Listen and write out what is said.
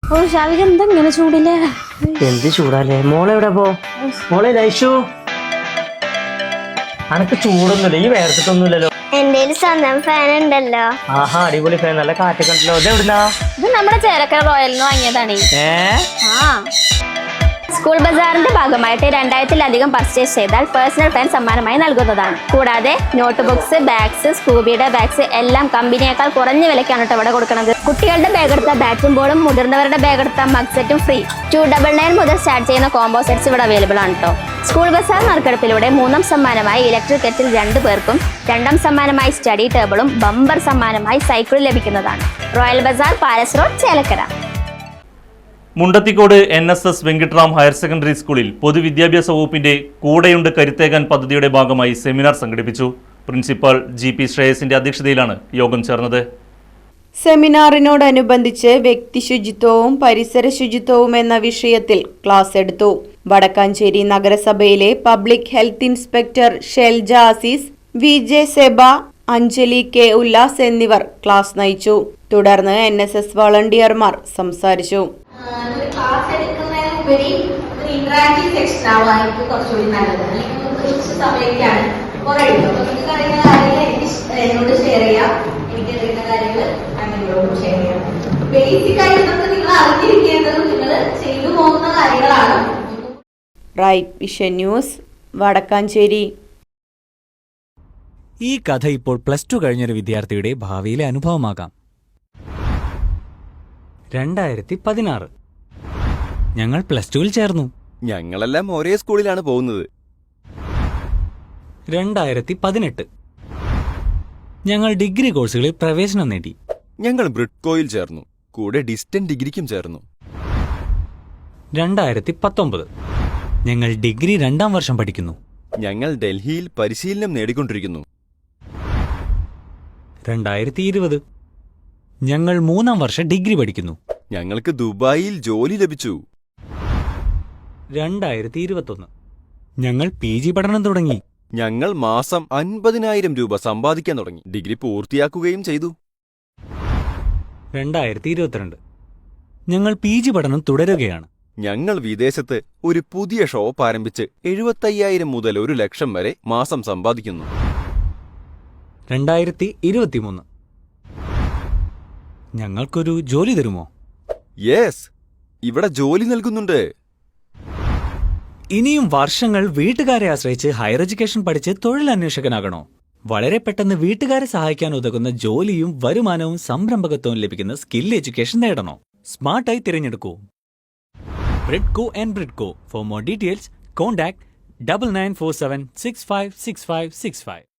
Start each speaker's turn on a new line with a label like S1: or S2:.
S1: ഓ ഷാവിക എന്താ ഇങ്ങനെ ചൂടില്ലേ?
S2: എന്ത് ചൂടാലേ? മോളെവിടെ പോ? മോളെ ലൈഷു, അനക്ക് ചൂടൊന്നുമില്ല, ഈ വേർത്തിട്ടൊന്നുമില്ലല്ലോ.
S3: എന്റെ സ്വന്തം ഫാൻ ഉണ്ടല്ലോ.
S2: ആഹാ, അടിപൊളി ഫാൻ, നല്ല കാറ്റൊക്കെ ഉണ്ടല്ലോ. ഇത് എവിടുന്നാ?
S1: ഇത് നമ്മുടെ ചേലക്കര റോയലിന് വാങ്ങിയതാണ്. സ്കൂൾ ബസാറിന്റെ ഭാഗമായിട്ട് 2000-ലധികം പർച്ചേസ് ചെയ്താൽ പേഴ്സണൽ ഫാൻ സമ്മാനമായി നൽകുന്നതാണ്. കൂടാതെ നോട്ട് ബുക്സ്, ബാഗ്സ്, സ്കൂബിയുടെ ബാഗ്സ് എല്ലാം കമ്പനിയേക്കാൾ കുറഞ്ഞ വിലക്കാണ് ഇവിടെ കൊടുക്കുന്നത്. കുട്ടികളുടെ ബാഗ് എടുത്ത ബാറ്റും ബോളും, മുതിർന്നവരുടെ ബാഗ് എടുത്ത മഗ് സെറ്റും ഫ്രീ. 299 മുതൽ സ്റ്റാർട്ട് ചെയ്യുന്ന കോംബോ സെറ്റ്സ് ഇവിടെ അവൈലബിൾ ആണ് കേട്ടോ. സ്കൂൾ ബസാർ നറുക്കെടുപ്പിലൂടെ 3ാം സമ്മാനമായി ഇലക്ട്രിക് കെറ്റിൽ 2 പേർക്കും, 2ാം സമ്മാനമായി സ്റ്റഡി ടേബിളും, ബമ്പർ സമ്മാനമായി സൈക്കിളും ലഭിക്കുന്നതാണ്. Royal Bazaar, Palace Road, Chelakkara.
S4: Mundathikode NSS Venkittaram higher secondary സ്കൂളിൽ പൊതുവിദ്യാഭ്യാസ വകുപ്പിന്റെ കൂടെയുണ്ട് കരുത്തേകാൻ പദ്ധതിയുടെ ഭാഗമായി സെമിനാർ സംഘടിപ്പിച്ചു. പ്രിൻസിപ്പൽ GP ശ്രേയസിന്റെ അധ്യക്ഷതയിലാണ് യോഗം ചേർന്നത്.
S5: സെമിനാറിനോടനുബന്ധിച്ച് വ്യക്തി ശുചിത്വവും പരിസര ശുചിത്വവും എന്ന വിഷയത്തിൽ ക്ലാസ് എടുത്തു. വടക്കാഞ്ചേരി നഗരസഭയിലെ public health inspector Shelja Azeez, VJ സെബ, അഞ്ജലി K ഉല്ലാസ് എന്നിവർ ക്ലാസ് നയിച്ചു. തുടർന്ന് NSS വളണ്ടിയർമാർ സംസാരിച്ചു.
S6: ക്ലാസ് എടുക്കുന്നതിനുപരി ഒരു ഇന്ററാക്റ്റീവ് സെക്ഷൻ ആവാനായിട്ട് കുറച്ചുകൂടി നല്ലത്. അല്ലെങ്കിൽ കുറച്ച് സമയമൊക്കെയാണ് കുറെ കിട്ടും. അപ്പൊ നിങ്ങൾക്ക് അറിയുന്ന കാര്യങ്ങൾ എന്നോട് ഷെയർ ചെയ്യാം, എനിക്ക് അറിയുന്ന കാര്യങ്ങൾ അങ്ങനെയോടും ഷെയർ ചെയ്യാം. ബേസിക് ആയിട്ട് നിങ്ങൾ അറിഞ്ഞിരിക്കേണ്ടതും നിങ്ങൾ ചെയ്തു പോകുന്ന കാര്യങ്ങളാണ്.
S5: Right Vision News, Vadakkanchery.
S7: ഈ കഥ ഇപ്പോൾ +2 കഴിഞ്ഞൊരു വിദ്യാർത്ഥിയുടെ ഭാവിയിലെ അനുഭവമാകാം. 2016 ഞങ്ങൾ +2-ൽ ചേർന്നു.
S8: ഞങ്ങളെല്ലാം ഒരേ സ്കൂളിലാണ് പോകുന്നത്.
S7: 2018 ഞങ്ങൾ ഡിഗ്രി കോഴ്സുകളിൽ പ്രവേശനം നേടി.
S8: ഞങ്ങൾ ബ്രിഡ്കോയിൽ ചേർന്നു, കൂടെ ഡിസ്റ്റന്റ് ഡിഗ്രിക്കും ചേർന്നു.
S7: 2019 ഞങ്ങൾ ഡിഗ്രി 2ാം വർഷം പഠിക്കുന്നു.
S8: ഞങ്ങൾ ഡൽഹിയിൽ പരിശീലനം നേടിക്കൊണ്ടിരിക്കുന്നു.
S7: 2020 ഞങ്ങൾ 3ാം വർഷം ഡിഗ്രി പഠിക്കുന്നു.
S8: ഞങ്ങൾക്ക് ദുബായിൽ ജോലി ലഭിച്ചു.
S7: 2021 ഞങ്ങൾ PG പഠനം തുടങ്ങി.
S8: ഞങ്ങൾ മാസം 50,000 രൂപ സമ്പാദിക്കാൻ തുടങ്ങി. ഡിഗ്രി പൂർത്തിയാക്കുകയും ചെയ്തു.
S7: 2022 ഞങ്ങൾ PG പഠനം തുടരുകയാണ്.
S8: ഞങ്ങൾ വിദേശത്ത് ഒരു പുതിയ ഷോപ്പ് ആരംഭിച്ച് 75,000 മുതൽ 1,00,000 വരെ മാസം സമ്പാദിക്കുന്നു.
S7: 2023 ഞങ്ങൾക്കൊരു ജോലി തരുമോ?
S8: യെസ്, ഇവിടെ ജോലി നൽകുന്നുണ്ട്.
S7: ഇനിയും വർഷങ്ങൾ വീട്ടുകാരെ ആശ്രയിച്ച് ഹയർ എഡ്യൂക്കേഷൻ പഠിച്ച് തൊഴിലന്വേഷകനാകണോ? വളരെ പെട്ടെന്ന് വീട്ടുകാരെ സഹായിക്കാൻ ഉതകുന്ന ജോലിയും വരുമാനവും സംരംഭകത്വവും ലഭിക്കുന്ന സ്കിൽ എഡ്യൂക്കേഷൻ നേടണോ? സ്മാർട്ടായി തിരഞ്ഞെടുക്കൂ Bridco and Bridco. For more details contact 9947656565.